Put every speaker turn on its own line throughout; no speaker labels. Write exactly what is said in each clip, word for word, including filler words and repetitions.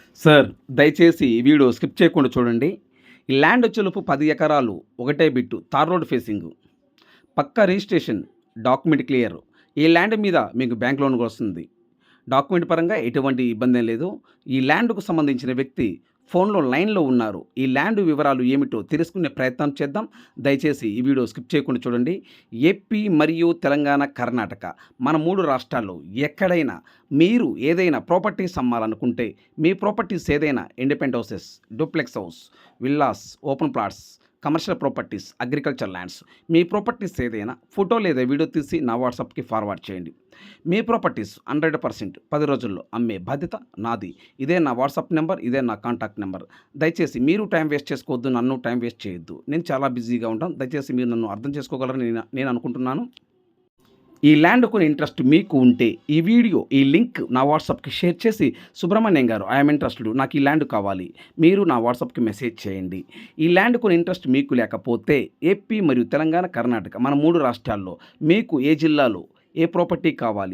Sir, దయచేసి ఈ video skip చేయకుండా చూడండి. ఈ ల్యాండ్ వచ్చేలోపు పది ఎకరాలు ఒకటే బిట్టు తార్ రోడ్ ఫేసింగు. పక్కా రిజిస్ట్రేషన్, డాక్యుమెంట్ క్లియర్. ఈ ల్యాండ్ మీద మీకు బ్యాంక్ లోన్ కూడా వస్తుంది. డాక్యుమెంట్ పరంగా ఎటువంటి ఇబ్బందేం లేదు. ఈ ల్యాండ్‌కు సంబంధించిన వ్యక్తి ఫోన్‌లో లైన్‌లో ఉన్నారు. ఈ ల్యాండ్ వివరాలు ఏమిటో తెలుసుకునే ప్రయత్నం చేద్దాం. దయచేసి ఈ వీడియో స్కిప్ చేయకుండా చూడండి. ఏపీ మరియు తెలంగాణ, కర్ణాటక మన మూడు రాష్ట్రాల్లో ఎక్కడైనా మీరు ఏదైనా ప్రాపర్టీస్ అమ్మాలనుకుంటే, మీ ప్రాపర్టీస్ ఏదైనా independent houses, duplex house, villas, open plots, commercial properties, agriculture lands, మీ ప్రాపర్టీస్ ఏదైనా ఫోటో లేదా వీడియో తీసి నా వాట్సాప్‌కి ఫార్వర్డ్ చేయండి. మీ ప్రాపర్టీస్ హండ్రెడ్ పర్సెంట్ పది రోజుల్లో అమ్మే బాధ్యత నాది. ఇదే నా వాట్సాప్ నెంబర్, ఇదే నా కాంటాక్ట్ నెంబర్. దయచేసి మీరు టైం వేస్ట్ చేసుకోవద్దు, నన్ను టైం వేస్ట్ చేయొద్దు. నేను చాలా బిజీగా ఉంటాను. దయచేసి మీరు నన్ను అర్థం చేసుకోగలరని నేను నేను అనుకుంటున్నాను. ఈ ల్యాండ్ కొని ఇంట్రెస్ట్ మీకు ఉంటే ఈ వీడియో, ఈ లింక్ నా వాట్సాప్‌కి షేర్ చేసి, సుబ్రహ్మణ్యం గారు ఐఎమ్ ఇంట్రెస్టెడ్, నాకు ఈ ల్యాండ్ కావాలి, మీరు నా వాట్సాప్‌కి మెసేజ్ చేయండి. ఈ ల్యాండ్ కొని ఇంట్రెస్ట్ మీకు లేకపోతే ఏపీ మరియు తెలంగాణ, కర్ణాటక మన మూడు రాష్ట్రాల్లో మీకు ఏ జిల్లాలో ఏ ప్రాపర్టీ కావాలి,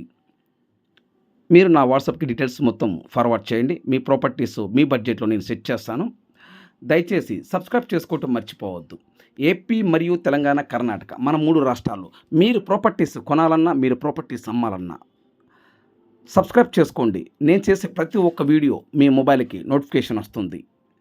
మీరు నా వాట్సాప్‌కి డీటెయిల్స్ మొత్తం ఫార్వర్డ్ చేయండి. మీ ప్రాపర్టీస్ మీ బడ్జెట్‌లో నేను సెట్ చేస్తాను. దయచేసి సబ్స్క్రైబ్ చేసుకోవటం మర్చిపోవద్దు. ఏపీ మరియు తెలంగాణ, కర్ణాటక మన మూడు రాష్ట్రాల్లో మీరు ప్రాపర్టీస్ కొనాలన్నా, మీరు ప్రాపర్టీస్ అమ్మాలన్నా సబ్స్క్రైబ్ చేసుకోండి. నేను చేసే ప్రతి ఒక్క వీడియో మీ మొబైల్‌కి నోటిఫికేషన్ వస్తుంది.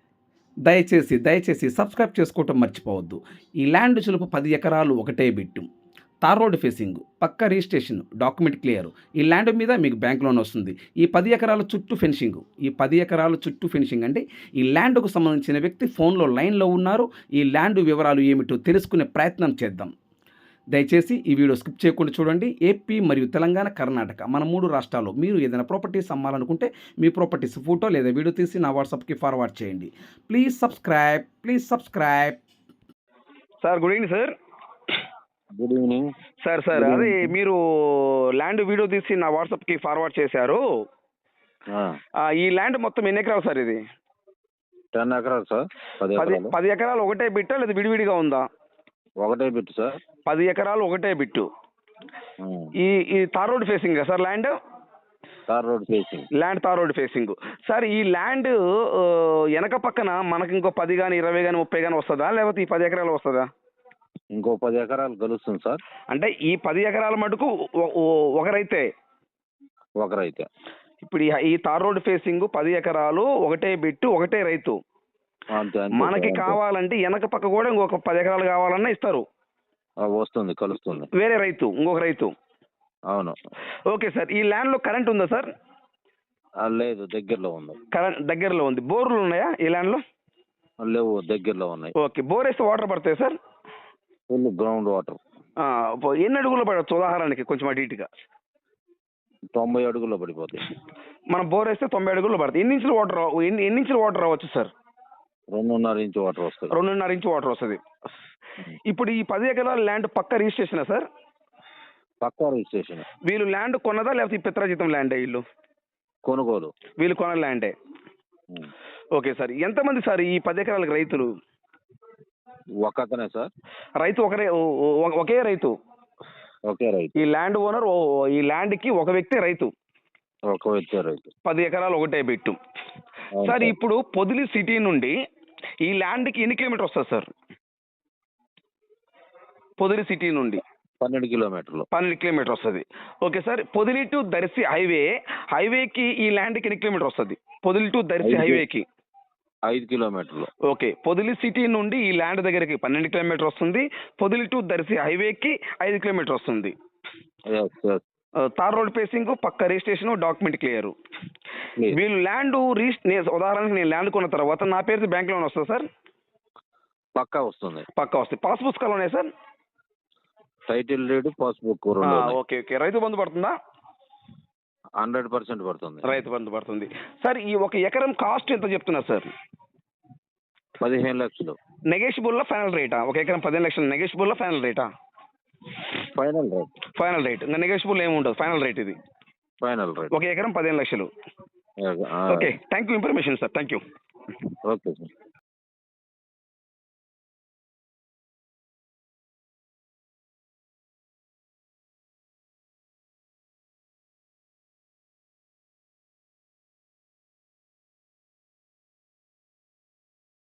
దయచేసి దయచేసి సబ్స్క్రైబ్ చేసుకోవటం మర్చిపోవద్దు. ఈ ల్యాండ్ చులుపు పది ఎకరాలు ఒకటే బిట్టు. తార్ రోడ్ ఫేసింగ్, పక్కా రిజిస్ట్రేషన్, డాక్యుమెంట్ క్లియర్. ఈ ల్యాండ్ మీద మీకు బ్యాంక్ లోన్ వస్తుంది. ఈ పది ఎకరాల చుట్టూ ఫెన్సింగ్, ఈ పది ఎకరాల చుట్టూ ఫెన్సింగ్ అంటే ఈ ల్యాండ్‌కు సంబంధించిన వ్యక్తి ఫోన్‌లో లైన్‌లో ఉన్నారు. ఈ ల్యాండ్ వివరాలు ఏమిటో తెలుసుకునే ప్రయత్నం చేద్దాం. దయచేసి ఈ వీడియో స్కిప్ చేయకుండా చూడండి. ఏపీ మరియు తెలంగాణ, కర్ణాటక మన మూడు రాష్ట్రాల్లో మీరు ఏదైనా ప్రాపర్టీస్ అమ్మాలనుకుంటే, మీ ప్రాపర్టీస్ ఫోటో లేదా వీడియో తీసి నా వాట్సాప్‌కి ఫార్వర్డ్ చేయండి. Please subscribe, please subscribe. Sir, good evening sir.
Good evening.
Sir sir
good
అదే
ఈవినింగ్.
మీరు ల్యాండ్ వీడియో తీసి నా వాట్సాప్కి ఫార్వర్డ్ చేశారు.
ఆ,
ఆ, ఈ ల్యాండ్ మొత్తం ఎన్ని ఎకరాలు సార్ ఇది?
టెన్ ఎకరాలు సార్. పది
పది
ఎకరాలు
పది ఎకరాలు ఒకటే బిట్టా లేదా విడివిడిగా ఉందా?
ఒకటే బిట్ సార్.
పది ఎకరాలు ఒకటే బిట్టు.
ఆ,
ఈ ఈ tar road facing sir land?
Tar road facing.
Land tar road facing. Sir, ఈ ల్యాండ్ వెనక పక్కన మనకి ఇంకో పది కానీ ఇరవై కానీ ముప్పై కానీ వస్తుందా, లేకపోతే ఈ పది ఎకరాలు వస్తుందా?
ఇంకో పది ఎకరాలు కలుస్తుంది సార్.
అంటే ఈ పది ఎకరాల మటుకు ఒ- ఒ- ఒకరైతే
ఒకరైతే
ఇప్పుడు ఈ ఈ తార్ రోడ్ ఫేసింగ్ పది ఎకరాలు ఒకటే బిట్టు ఒకటే రైతు.
అంతే అంతే
మనకి
సార్, అంతే.
కావాలంటే వెనక పక్క కూడా ఇంకొక పది ఎకరాలు కావాలన్నా ఇస్తారు.
ఆ, వస్తుంది, కలుస్తుంది.
వేరే రైతు, ఇంకొక రైతు.
అవును.
ఓకే సార్, ఈ ల్యాండ్లో కరెంట్ ఉందా సార్?
ఆ, లేదు, దగ్గరలో ఉంది.
కరెంట్ దగ్గరలో ఉంది. బోర్లు ఉన్నాయా ఈ ల్యాండ్లో?
ఆ, లేవు, దగ్గరలో ఉన్నాయి.
ఓకే, బోర్ వేస్తే వాటర్ పడతాయి సార్?
Full ground water.
ఆ, పో- ఎన్ని అడుగులు పడవచ్చు ఉదాహరణకి కొంచెం అటు ఇటుగా?
తొంభై అడుగుల్లో పడిపోతాయి.
మనం బోర్ వేస్తే తొంభై అడుగులు పడతాయి. ఎన్ని ఇంచులు వాటర్ రావ- ఎన్ని ఎన్ని ఇంచులు వాటర్ రావచ్చు సార్?
రెండున్నర ఇంచు వాటర్ వస్తుంది.
రెండున్నర ఇంచు వాటర్ వస్తుంది. ఇప్పుడు ఈ పది ఎకరాల ల్యాండ్ పక్క రిజిస్ట్రేషనా సార్?
పక్కా రిజిస్ట్రేషన్.
వీళ్ళు ల్యాండ్ కొన్నదా లేకపోతే ఈ పిత్రాజితం ల్యాండే వీళ్ళు?
కొనుగోలు.
వీళ్ళు కొన్న ల్యాండే.
ఉం.
ఓకే సార్, ఎంతమంది సార్ ఈ పది ఎకరాలకు రైతులు?
ఒక అతనే సార్.
రైతు ఒకరే, ఓ- ఓ- ఒకే రైతు.
ఒకే రైతు.
ఈ ల్యాండ్ ఓనర్, ఈ ల్యాండ్కి ఒక వ్యక్తి రైతు.
ఒక వ్యక్తి రైతు.
పది ఎకరాలు ఒకటే బిట్టు.
అవును
సార్,
సార్.
ఇప్పుడు పొదిలి సిటీ నుండి ఈ ల్యాండ్కి ఎన్ని కిలోమీటర్ వస్తుంది సార్? పొదిలి సిటీ నుండి
పన్నెండు కిలోమీటర్లు.
పన్నెండు కిలోమీటర్ వస్తుంది. Okay sir, Podili to Darsi highway, హైవేకి ఈ ల్యాండ్కి ఎన్ని కిలోమీటర్ వస్తుంది? పొదిలి టు దర్శి
ఐదు.
హైవేకి
ఐదు కిలోమీటర్లు.
ఓకే, పొదిలి సిటీ నుండి ఈ ల్యాండ్ దగ్గరికి పన్నెండు కిలోమీటర్ వస్తుంది. పొదిలి టు దర్శి హైవేకి ఐదు కిలోమీటర్ వస్తుంది.
Yes yes.
ఆ, తార్ రోడ్ ఫేసింగ్, పక్క రిజిస్ట్రేషన్, డాక్యుమెంట్ క్లియర్.
ప్లీజ్.
వీళ్ళు ల్యాండ్ రిజిస్ నేను ఉదాహరణకి నేను ల్యాండ్ కొన్న తర్వాత నా పేరు బ్యాంక్ లోన్ వస్తుంది సార్?
పక్కా వస్తుంది.
పక్కా వస్తాయి. పాస్ పుస్తకాలు ఉన్నాయి సార్?
టైటిల్ డీడ్, పాస్బుక్
ఆ,
రెండు ఉన్నాయి.
Okay okay. రైతు బంధు పడుతుందా?
హండ్రెడ్ పర్సెంట్ పడుతుంది.
రైతు బంధు పడుతుంది. సార్, ఈ ఒక ఎకరం కాస్ట్ ఎంత చెప్తున్నారు సార్?
పదిహేను లక్షలు.
నెగోషియబుల్లా ఫైనల్ రేటా? ఒక ఎకరం పదిహేను లక్షలు నెగోషియబుల్లా ఫైనల్ రేటా?
Final rate.
ఫైనల్ రేట్, ఇంకా నెగోషియబుల్ ఏమి ఉండదు, ఫైనల్ రేట్ ఇది.
Final rate.
ఒక ఎకరం పదిహేను లక్షలు.
ఆ,
okay, thank you information sir, thank you.
Okay sir.